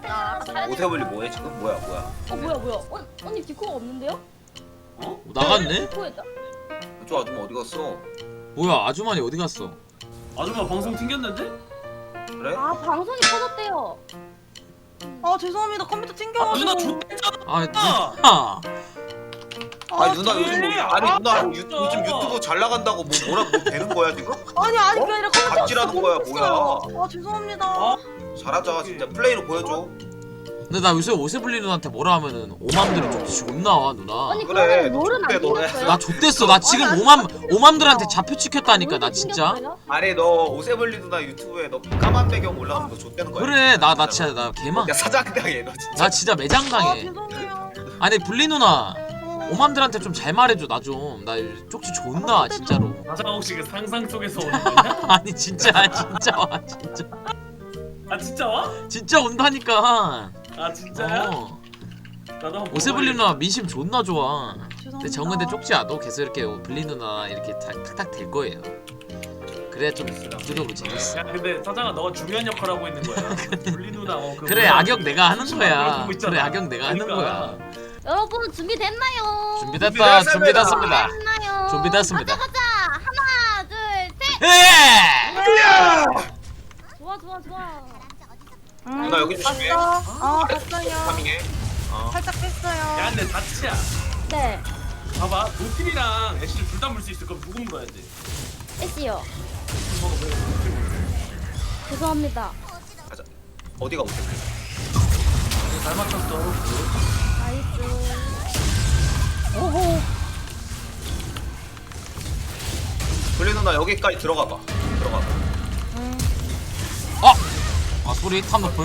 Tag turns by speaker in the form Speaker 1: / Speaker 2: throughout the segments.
Speaker 1: 오세블리 뭐해 지금? 뭐야?
Speaker 2: 뭐야? 언니 디코가 없는데요?
Speaker 3: 나갔네?
Speaker 2: 디코에다.
Speaker 1: 저 아줌마 어디 갔어?
Speaker 3: 뭐야 아주머니 어디 갔어?
Speaker 4: 아줌마 방송 튕겼는데?
Speaker 1: 그래?
Speaker 2: 아 방송이 터졌대요.
Speaker 5: 아 죄송합니다 컴퓨터 튕겨가지고.
Speaker 4: 누나 좋댔잖아.
Speaker 3: 아 누나
Speaker 1: 아니 누나
Speaker 4: 그래.
Speaker 1: 요즘 누나
Speaker 4: 아,
Speaker 1: 요즘 유튜브 잘 나간다고 뭐 되는 거야 지금?
Speaker 5: 아니 그게 아니라 컴퓨터
Speaker 1: 갑질하는 거야,
Speaker 5: 아 죄송합니다.
Speaker 1: 잘하자 진짜 플레이로 보여줘.
Speaker 3: 근데 나 요새 오세블리 누나한테 뭐라 하면은 오맘들은 좀 존나와 누나.
Speaker 2: 언니
Speaker 1: 그래,
Speaker 2: 그러면 롤은 안
Speaker 1: 좋대, 너네.
Speaker 2: 튕겼어요?
Speaker 3: 나 좆됐어. 나 지금 오맘들한테 잡혀 찍혔다니까 나 진짜.
Speaker 1: 아니 너 오세블리 누나 유튜브에 너 까만 배경 올라오는 거 좆되는 거야.
Speaker 3: 그래 나 진짜 나 개망.
Speaker 1: 야 사장당해 너 진짜.
Speaker 3: 나 진짜 매장 당해.
Speaker 5: 죄송해요.
Speaker 3: 아니 블리 누나 오맘들한테 좀 잘 말해줘 나 좀. 나 쪽지 존나 진짜로.
Speaker 4: 가사 혹시 그 상상 속에서 오는 거냐?
Speaker 3: 아니 진짜 와 진짜.
Speaker 4: 아 진짜 와?
Speaker 3: 진짜 온다니까.
Speaker 4: 아 진짜야?
Speaker 3: 어.
Speaker 4: 나도 한번
Speaker 3: 오세블리 누나 민심 존나 좋아.
Speaker 5: 죄송합니다.
Speaker 3: 근데 정근데 쪽지야도 계속 이렇게 블리 누나 이렇게 탁탁 될 거예요. 그래 좀 구조적으로 재밌어.
Speaker 4: 야 근데 사장아 너가 중요한 역할 하고 있는 거야. 불리 누나 그
Speaker 3: 그래
Speaker 4: 뭐야,
Speaker 3: 악역 내가 하는
Speaker 4: 수많은
Speaker 3: 거야.
Speaker 4: 걸 보고 있잖아.
Speaker 3: 그래 악역 내가 하는
Speaker 4: 그러니까.
Speaker 3: 거야.
Speaker 2: 여러분 준비됐나요?
Speaker 3: 준비됐다. 준비됐습니다.
Speaker 2: 됐나요?
Speaker 3: 준비됐습니다.
Speaker 2: 가자. 하나, 둘, 셋.
Speaker 3: 예!
Speaker 2: 좋아.
Speaker 1: 누나 여기 조심해.
Speaker 5: 봤어. 봤어요.
Speaker 1: 파밍해.
Speaker 5: 살짝 뺐어요.
Speaker 4: 야 근데 다치야.
Speaker 2: 네.
Speaker 4: 봐봐 노틸이랑 애쉬를 둘 다 물 수 있을 거면 누구 물어야 돼?
Speaker 2: 애쉬요. 죄송합니다.
Speaker 1: 가자. 어디가 오세블리?
Speaker 4: 잘 맞췄어.
Speaker 2: 나이스. 오호.
Speaker 1: 블리 누나 여기까지 들어가봐.
Speaker 3: 아 소리 탑노플.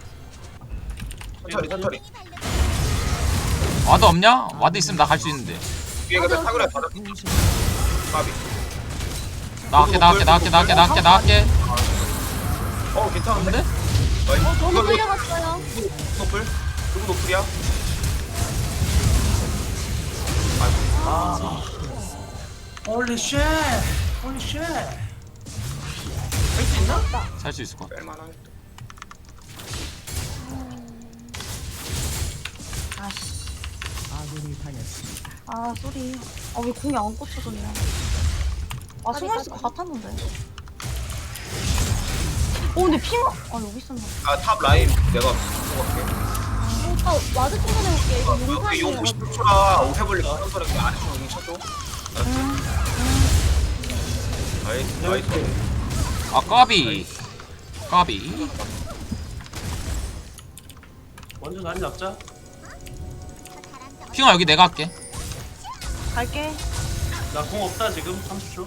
Speaker 1: 천천히.
Speaker 3: 와드 없냐? 와드 있으면 나 갈 수 있는데.
Speaker 1: 위에 가서 사그라 받아. 까비.
Speaker 3: 나갈게.
Speaker 1: 괜찮은데?
Speaker 3: 근데?
Speaker 2: 너무 끌려갔어요.
Speaker 1: 노플? 누구 노플이야?
Speaker 4: 홀리 쉣. 홀리 쉣. 할수 있나?
Speaker 3: 살 수 있을 것 같아.
Speaker 1: 뺄만하겠다.
Speaker 5: 아 쏘리. 왜 공이 안 꽂혀졌냐. 숨어있을 것 같았는데. 근데 핑어. 여기 있었나.
Speaker 1: 탑 라인 내가 들어갈게.
Speaker 2: 오빠 와드 충전해볼게. 이거
Speaker 1: 여기 용
Speaker 2: 용산이에요.
Speaker 1: 50초라 오세블리 가는 거랑 그 아래쪽으로 용 쳐줘. 나이스.
Speaker 3: 아 까비.
Speaker 4: 먼저 자리 잡자.
Speaker 3: 핑아 여기 내가 할게.
Speaker 5: 갈게.
Speaker 4: 나 공 없다 지금 30초.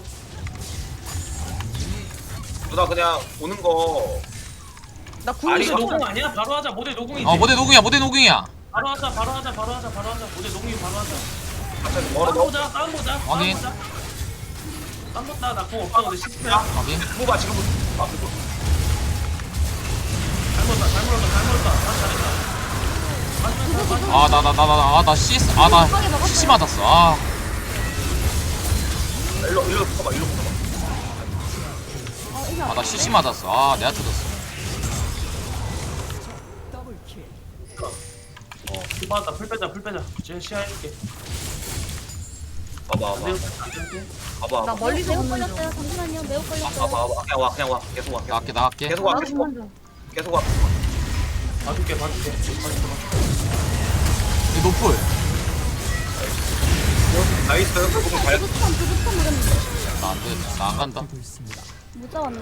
Speaker 1: 누나 그냥 오는 거
Speaker 5: 나
Speaker 1: 아니,
Speaker 5: 궁이
Speaker 4: 모델
Speaker 1: 이거-
Speaker 4: 노공 아니야? 바로 하자. 모델 노공이지.
Speaker 3: 모델 노궁이야.
Speaker 4: 바로 하자. 모델 노공이 바로 하자.
Speaker 1: 갑자기 멀어
Speaker 4: 싸움
Speaker 1: 너.
Speaker 4: 보자.
Speaker 3: 확인.
Speaker 4: 땀 봤다. 나공 없다. 근데 10초야.
Speaker 3: 확인.
Speaker 1: 뭐가 지금 그거.
Speaker 4: 잘 물었다. 다 잘했다.
Speaker 3: 나 CS 나 CC 맞았어.
Speaker 1: 일로 붙어봐.
Speaker 3: 나 CC 맞았어. 내가 터졌어.
Speaker 4: 맞다. 풀 빼자. 제 시야 해줄게.
Speaker 1: 봐봐.
Speaker 5: 나 멀리서
Speaker 2: 매우
Speaker 5: 보는 중.
Speaker 2: 걸렸어요. 잠시만요. 매우 걸렸어요.
Speaker 1: 그냥 와. 계속 와.
Speaker 3: 나갈게.
Speaker 1: 계속 와.
Speaker 5: 나도 보는 중.
Speaker 1: 계속 와.
Speaker 4: 봐줄게.
Speaker 3: 이 노플.
Speaker 1: 나이스. 그거 잘.
Speaker 2: 두부터 물었는데.
Speaker 3: 나 안 돼. 나 안 간다.
Speaker 2: 못 잡았네.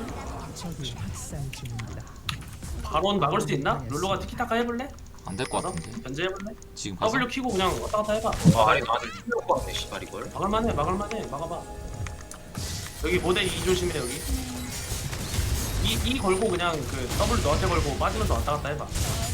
Speaker 4: 바론 막을 수 있나? 룰루가 티키타카 해볼래?
Speaker 3: 안 될 것 같은데.
Speaker 4: 견제해볼래?
Speaker 3: 지금 가서.
Speaker 4: W 키고 그냥 왔다 갔다 해봐.
Speaker 1: 아니 나한테 틀릴 것 같네 씨발 이걸.
Speaker 4: 막을만해. 막아봐. 여기 모델 2 조심해 여기. 이 걸고 그냥 그 W 너한테 걸고 빠지면서 왔다 갔다 해봐.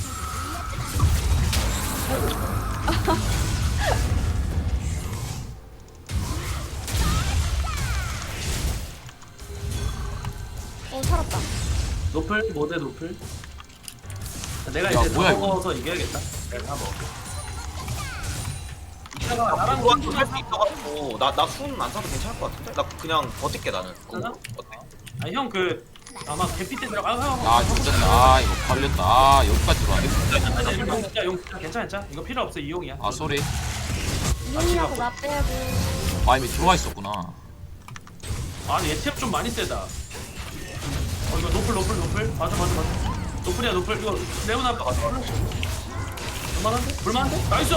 Speaker 2: 살았다.
Speaker 4: 노플 모델 노플. 내가
Speaker 3: 야,
Speaker 4: 이제
Speaker 3: 뭐야,
Speaker 4: 다
Speaker 3: 이거?
Speaker 4: 먹어서 이겨야겠다. 내가 다 먹을게. 이따가 나랑
Speaker 1: 들어와도 할수 있어가지고 나순 안 사도 괜찮을 것 같은데? 나 그냥 버틸게 나는.
Speaker 4: 괜찮아?
Speaker 1: 어때?
Speaker 4: 아니 형 그 아마 개피 때 들어가.
Speaker 3: 아 좋겠다. 아 이거 걸렸다. 아 여기까지 들어왔네.
Speaker 4: 용 괜찮아 괜찮아. 이거 필요 없어 이용이야.
Speaker 3: 아 쏘리.
Speaker 2: 이용이라고 나 빼고.
Speaker 3: 아 이미 들어와 있었구나.
Speaker 4: 아니 얘 좀 많이 세다. 이거 노플 맞아. 노플이야 노플. 이거 레오나 볼만한데? 볼만한데? 나이스.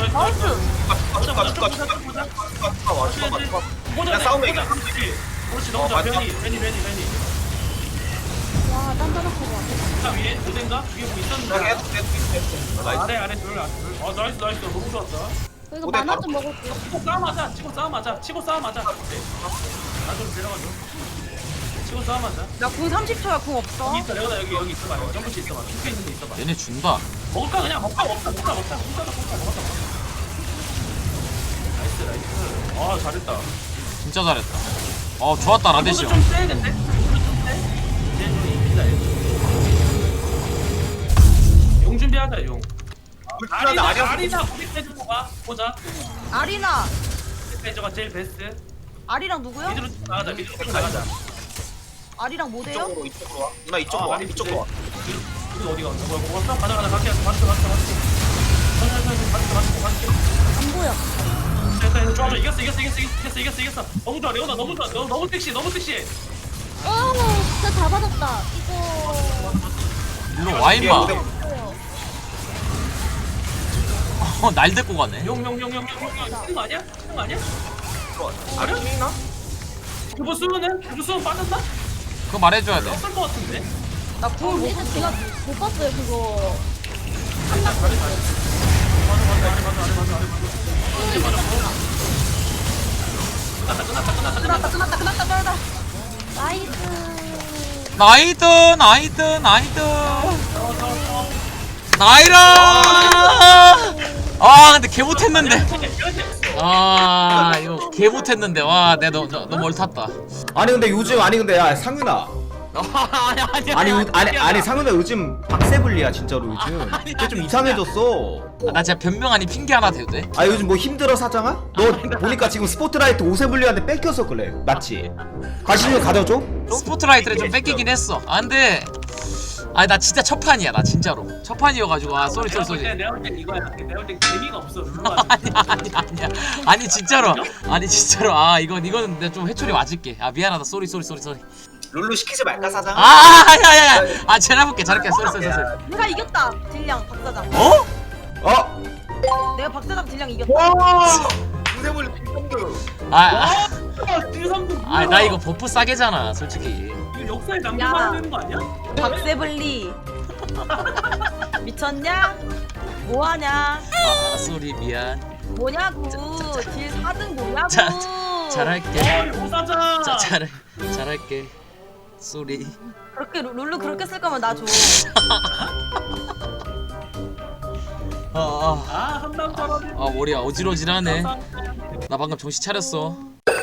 Speaker 1: 그냥 싸우면 이겨.
Speaker 4: 그렇지 너무 좋아.
Speaker 1: 맞다.
Speaker 4: 베니.
Speaker 2: 와, 단단하고 와.
Speaker 4: 자 위에 모델인가? 위에 뭐 있었는데. 아래 둘. 아 나이스 너무 좋았다.
Speaker 2: 이거
Speaker 1: 오늘
Speaker 2: 만화
Speaker 1: 바로-
Speaker 2: 좀 먹을게요.
Speaker 4: 치고 싸움하자. 치고 싸움하자. 나 좀 데려가줘. 치고 싸움하자.
Speaker 5: 나 궁 30초야 궁 없어.
Speaker 4: 여기 있어 레오나 여기 있어봐. 점프치 있어봐. 죽게 있는데 있어봐.
Speaker 3: 얘네 준다.
Speaker 4: 먹을까 그냥 먹자. 먹었다. 나이스. 아 잘했다.
Speaker 3: 진짜 잘했다. 어 좋았다 라데시
Speaker 4: 좀
Speaker 3: 형.
Speaker 4: 세겠는데? 좀 세? 얘좀 이기다 얘. 용 준비하자 용. 아리나 우리 빼주고 가. 보자.
Speaker 5: 아리나.
Speaker 4: 빼줘가 제일 베스트.
Speaker 5: 아리랑 누구요?
Speaker 4: 미드로 쭉 나가자.
Speaker 5: 아리랑 모대요?
Speaker 1: 이쪽으로 와. 누나 이쪽으로 와. 이쪽으로 와.
Speaker 4: 이거 어디가? 뭐야 먹었어? 가자. 갈게. 갔어.
Speaker 2: 안 보여.
Speaker 4: 됐다. 좋아. 이겼어. 너무 좋아. 레오나 너무 좋아. 너무 섹시해.
Speaker 2: 진짜 다 받았다. 이거.
Speaker 3: 일로 와 임마. 날 데리고 가네.
Speaker 4: 용. 이거 아니야?
Speaker 1: 아래 팀 있나?
Speaker 4: 그거 수는 빠졌나?
Speaker 3: 그거 말해줘야 돼.
Speaker 4: 없을 것 같은데.
Speaker 5: 나 궁을 못
Speaker 2: 근데 제가 못 봤어요, 그거.
Speaker 5: 끝났다.
Speaker 2: 나이스.
Speaker 3: 나이라. 아 근데 개 못했는데. 아 이거 개 못했는데 와 내가 너무 얼탔다.
Speaker 6: 아니 근데 요즘 야 상윤아 아니 상윤아 요즘 박세블리야 진짜로 요즘 걔 좀 이상해졌어.
Speaker 3: 나 진짜 변명 아닌 핑계 하나 대도 돼?
Speaker 6: 아 요즘 뭐 힘들어 사장아? 너 보니까 지금 스포트라이트 오세블리한테 뺏겨서 그래 맞지? 다시 좀 가져줘?
Speaker 3: 스포트라이트를 좀 뺏기긴 했어. 아 근데 아니 나 진짜 첫 판이야 나 진짜로 첫 판이어가지고 아 쏘리
Speaker 4: 내가 볼 땐 이거야. 내가 볼 땐 재미가 없어.
Speaker 3: 아니 진짜로 아 이거는 내가 좀 회초리 맞을게. 아 미안하다 쏘리
Speaker 1: 룰루 시키지 말까 사장?
Speaker 3: 아야야야 아 잘해볼게 쏘리
Speaker 5: 내가 이겼다. 딜량 박사장.
Speaker 3: 어?
Speaker 6: 어?
Speaker 5: 내가 박사장 딜량 이겼다.
Speaker 1: 와. 무대물 핑크.
Speaker 3: 나 이거 버프 싸게잖아 솔직히.
Speaker 4: 이거 역사에 남겨놔야 되는 거 아니야?
Speaker 5: 박세블리. 미쳤냐? 뭐하냐?
Speaker 3: 아 쏘리 미안.
Speaker 5: 뭐냐고. 딜 4등 뭐냐고.
Speaker 3: 잘할게.
Speaker 4: 오사자.
Speaker 3: 잘할게. 쏘리.
Speaker 5: 그렇게 룰루 그렇게 쓸 거면 나 줘.
Speaker 4: 한남 사람이.
Speaker 3: 머리야 어지러지하네. 나 방금 정신 차렸어.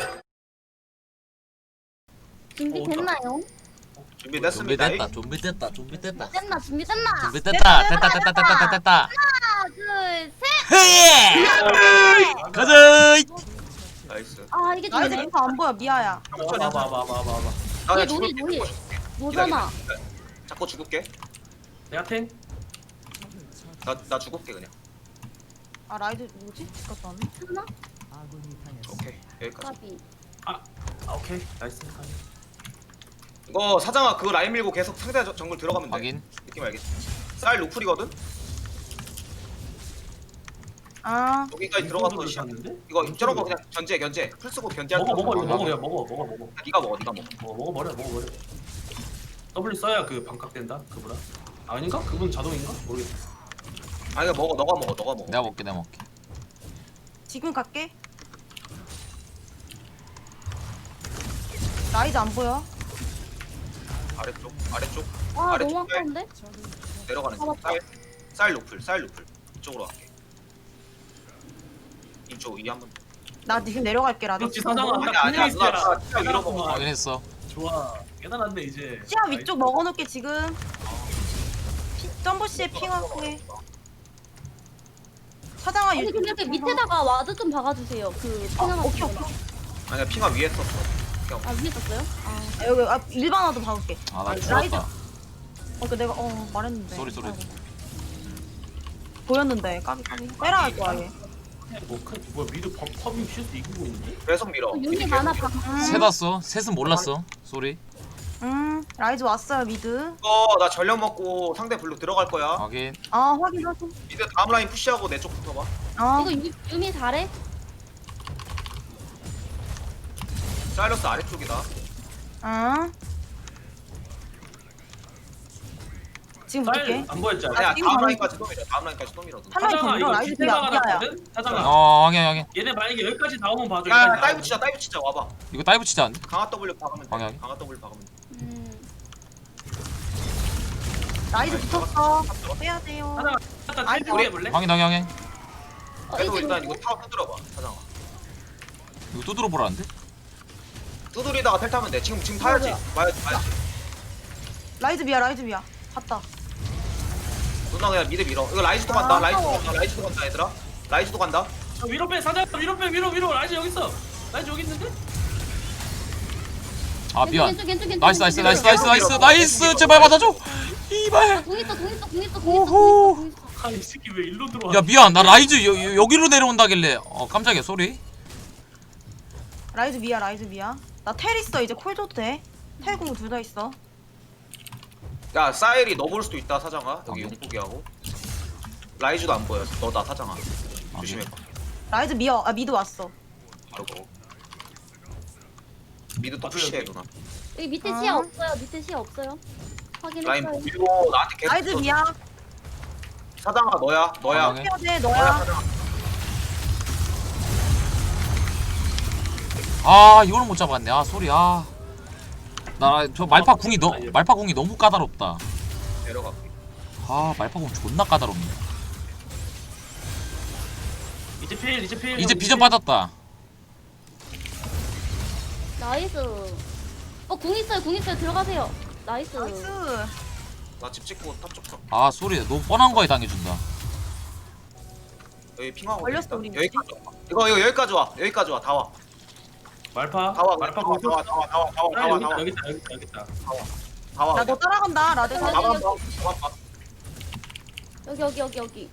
Speaker 2: 준비됐나요?
Speaker 1: 준비됐습니다.
Speaker 3: 준비됐다.
Speaker 2: 준비됐나?
Speaker 3: 됐다.
Speaker 2: 하나, 둘, 셋.
Speaker 3: 헤이! 가자.
Speaker 1: 나이스.
Speaker 2: 아, 이게
Speaker 5: 나이스
Speaker 2: 되네.
Speaker 5: 인파 안 보여 미아야.
Speaker 4: 봐봐.
Speaker 1: 나
Speaker 2: 얘
Speaker 1: 죽을
Speaker 2: 노리. 노잖아.
Speaker 1: 자꾸 죽을게.
Speaker 4: 내가 탱.
Speaker 1: 나 죽을게 그냥.
Speaker 5: 아 라이드 뭐지? 갔다 왔네.
Speaker 2: 하나?
Speaker 1: 오케이 여기까지.
Speaker 2: 까비.
Speaker 4: 오케이. 나이스.
Speaker 1: 이거 사장아 그거 라인 밀고 계속 상대 정글 들어가면 돼.
Speaker 3: 확인.
Speaker 1: 느낌 알겠지? 쌀 루플이거든?
Speaker 5: 아
Speaker 1: 여기까지 들어가서 시작. 이거 저런 거 그냥 견제 풀 쓰고 견제할
Speaker 4: 먹어
Speaker 1: 거야.
Speaker 4: 이거 먹어.
Speaker 1: 네가 먹어.
Speaker 4: 먹어버려. W 써야 그 반값된다. 그보다. 아닌가? 그분 자동인가? 모르겠어.
Speaker 1: 아 이거 먹어. 너가 먹어.
Speaker 3: 내가 먹게.
Speaker 5: 지금 갈게. 라이드 안 보여.
Speaker 1: 아래쪽.
Speaker 2: 와,
Speaker 1: 아래쪽
Speaker 2: 너무
Speaker 1: 쌀.
Speaker 2: 아까운데?
Speaker 1: 내려가는 중.
Speaker 2: 잡았다.
Speaker 1: 쌀 루플. 이쪽으로 갈게. 이쪽 이 한번.
Speaker 5: 나 지금 내려갈게 라이드.
Speaker 4: 그렇지 사장아.
Speaker 1: 아니야, 누나 진짜 위로 먹어.
Speaker 3: 확인했어.
Speaker 4: 좋아. 깨달았네 이제.
Speaker 5: 시야 위쪽 먹어놓게 지금. 점버씨의 핑하게. 사장아
Speaker 2: 아니, 근데 그 밑에다가 와드 좀 박아주세요. 그,
Speaker 5: 오케이.
Speaker 1: 아니야 핑아 위에 썼어.
Speaker 2: 아 위에 있었어요? 아
Speaker 5: 여기 일반화도 박을게.
Speaker 3: 아 나
Speaker 5: 라이즈.
Speaker 3: 죽었다.
Speaker 5: 그 내가 말했는데.
Speaker 3: 쏘리.
Speaker 5: 아이고. 보였는데 까비. 빼라 할 거야 얘.
Speaker 4: 뭐야 미드 팝이 슈스 이기고 있는데?
Speaker 1: 계속 밀어.
Speaker 2: 윤이 많아 방.
Speaker 3: 셋 왔어. 셋은 몰랐어. 쏘리.
Speaker 5: 라이즈 왔어요 미드.
Speaker 1: 이거 나 전력 먹고 상대 블루 들어갈 거야.
Speaker 3: 확인.
Speaker 5: 확인.
Speaker 1: 미드 다음 라인 푸시하고 내 쪽 붙어봐.
Speaker 2: 이거 유미 잘해?
Speaker 1: 사일러스 아래쪽이다.
Speaker 5: 지금 붙을게.
Speaker 4: 안 보였지?
Speaker 1: 아니야
Speaker 5: 지금
Speaker 1: 다음
Speaker 5: 가는
Speaker 1: 라인까지 또 밀어. 다음 라인까지 또 밀어.
Speaker 5: 한 라인 더
Speaker 4: 사장아
Speaker 5: 밀어.
Speaker 4: 이거
Speaker 5: 라이즈
Speaker 4: 뒷배
Speaker 5: 미야.
Speaker 4: 나갔거든? 사장아
Speaker 3: 확인.
Speaker 4: 얘네 만약에 여기까지 나오면 봐줘.
Speaker 1: 야
Speaker 4: 여기까지
Speaker 1: 다이브
Speaker 4: 나오면.
Speaker 1: 치자 와봐.
Speaker 3: 이거 다이브 치자 안 돼?
Speaker 1: 강화 W 박으면 돼.
Speaker 3: 방향이?
Speaker 1: 강화 W 박으면 돼.
Speaker 5: 라이즈 붙었어. 빼야 돼요.
Speaker 4: 사장아 일단
Speaker 5: 아니,
Speaker 4: 텔 해볼래?
Speaker 3: 확인.
Speaker 1: 그래도
Speaker 2: 이제
Speaker 1: 일단 이거 타워 두드려봐. 사장아.
Speaker 3: 이거 또 들어보라는데?
Speaker 1: 두드리다가 텔 타면 돼. 지금 타야지. 봐야지.
Speaker 5: 라이즈 미야. 갔다.
Speaker 1: 누나 그냥 미드 밀어. 이거 라이즈도 간다. 라이즈도 간다 얘들아. 라이즈도 간다.
Speaker 4: 위로 빼 사장아 위로 빼 위로 라이즈 여기 있어. 라이즈 여기 있는데?
Speaker 3: 아 미안.
Speaker 2: 왼쪽.
Speaker 3: 나이스. 제발 받아줘. 이발.
Speaker 2: 공 있어.
Speaker 4: 아이 새끼 왜 일로 들어와?
Speaker 3: 야 미안. 나 라이즈 여기로 내려온다길래 깜짝이야. 쏘리.
Speaker 5: 라이즈 미야. 나 텔 있어. 이제 콜 줘도 돼. 텔 공부 둘 다 있어.
Speaker 1: 야 사일이 너 볼 수도 있다 사장아. 여기
Speaker 3: 오케이.
Speaker 1: 용포기하고. 라이즈도 안 보여. 너다 사장아. 조심해봐.
Speaker 5: 라이즈 미야. 미드 왔어.
Speaker 1: 바로 거. 미드 또 푸시해 누나.
Speaker 2: 여기 밑에 시야 없어요. 밑에 시야 없어요.
Speaker 1: 라인
Speaker 2: 확인했어요.
Speaker 1: 밀고 나한테 계속
Speaker 5: 라이즈
Speaker 1: 붙어.
Speaker 5: 미야.
Speaker 1: 사장아 너야.
Speaker 3: 방향에?
Speaker 5: 해야 돼.
Speaker 1: 너야
Speaker 5: 너야.
Speaker 1: 사장아.
Speaker 3: 아 이걸 못 잡았네. 아 쏘리. 나 저 말파 궁이 너무 까다롭다.
Speaker 1: 내려갈게.
Speaker 3: 아 말파 궁 존나 까다롭네.
Speaker 4: 이제 필.
Speaker 3: 이제 비전 빠졌다.
Speaker 2: 나이스. 공 있어요. 들어가세요. 나이스.
Speaker 5: 나이스.
Speaker 1: 나 집 찍고 탑 쪽 서.
Speaker 3: 아 쏘리. 너무 뻔한 거에 당해준다.
Speaker 1: 여기 핑하고
Speaker 5: 걸렸어,
Speaker 1: 있다.
Speaker 5: 우리
Speaker 1: 여기까지 와. 이거 여기까지 와. 여기까지 와. 다 와.
Speaker 4: 말파.
Speaker 1: 다 와.
Speaker 4: 말파
Speaker 1: 다 와.
Speaker 4: 공수.
Speaker 1: 다 와. 다 와. 다 와. 다 와. 다 와.
Speaker 4: 여기 있다.
Speaker 1: 다 와.
Speaker 5: 나 너 따라간다. 라데
Speaker 2: 아,
Speaker 5: 사.
Speaker 1: 가만 봐. 가만 봐.
Speaker 2: 여기.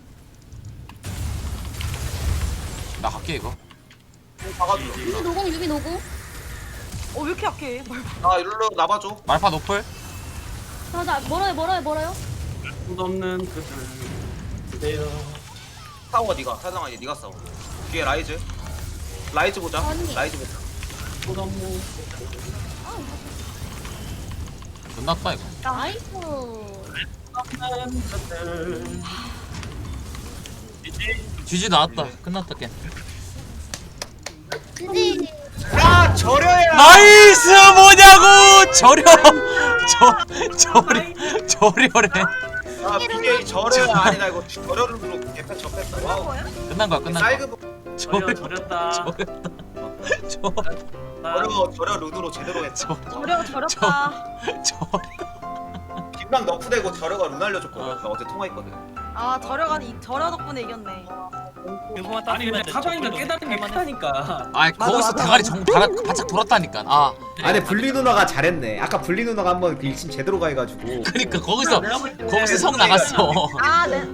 Speaker 3: 나 갈게 이거.
Speaker 1: 박아줘.
Speaker 2: 유미 노공.
Speaker 5: 왜 이렇게 약해?
Speaker 1: 나 일로 나봐줘.
Speaker 3: 말파 노플.
Speaker 2: 자, 멀어요.
Speaker 4: 손 없는 그들 그대여.
Speaker 1: 싸워 네가. 사장아 이제 네가 싸워. 뒤에 라이즈. 라이즈 보자.
Speaker 2: 아니.
Speaker 1: 라이즈 보자.
Speaker 4: 손 없는
Speaker 3: 끝났다 이거.
Speaker 2: 나이스.
Speaker 4: 그들. 이제
Speaker 3: GG 나왔다. 끝났다 게임.
Speaker 2: 지지.
Speaker 1: 야 저려야.
Speaker 3: 나이스 뭐냐고. 저려래.
Speaker 1: 아 BJ 저려야 아니다 이거 저려를 누르고 개패 접했다. 와우.
Speaker 3: 끝난 거야.
Speaker 1: 사이드
Speaker 4: 저렸다.
Speaker 1: 저려 룬으로 제대로 했다.
Speaker 5: 저렸다.
Speaker 1: 김랑 너프되고 저려가 룬 알려줬거든. 나 어제 통화했거든.
Speaker 5: 저려 덕분에 이겼네.
Speaker 4: 아니 근데 사장이가 깨달은 게 크다니까.
Speaker 3: 아 거기서 대가리 바짝 돌았다니까.
Speaker 6: 아니 블리 누나가 잘했네. 아까 블리 누나가 한번 그 일침 제대로 가해가지고.
Speaker 3: 그러니까 거기서 성 나갔어.
Speaker 5: 네.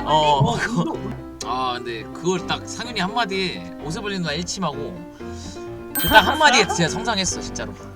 Speaker 3: 근데 그걸 딱 상윤이 한마디에 오세블리 누나 1침하고 그 딱 한마디에 진짜 성장했어 진짜로.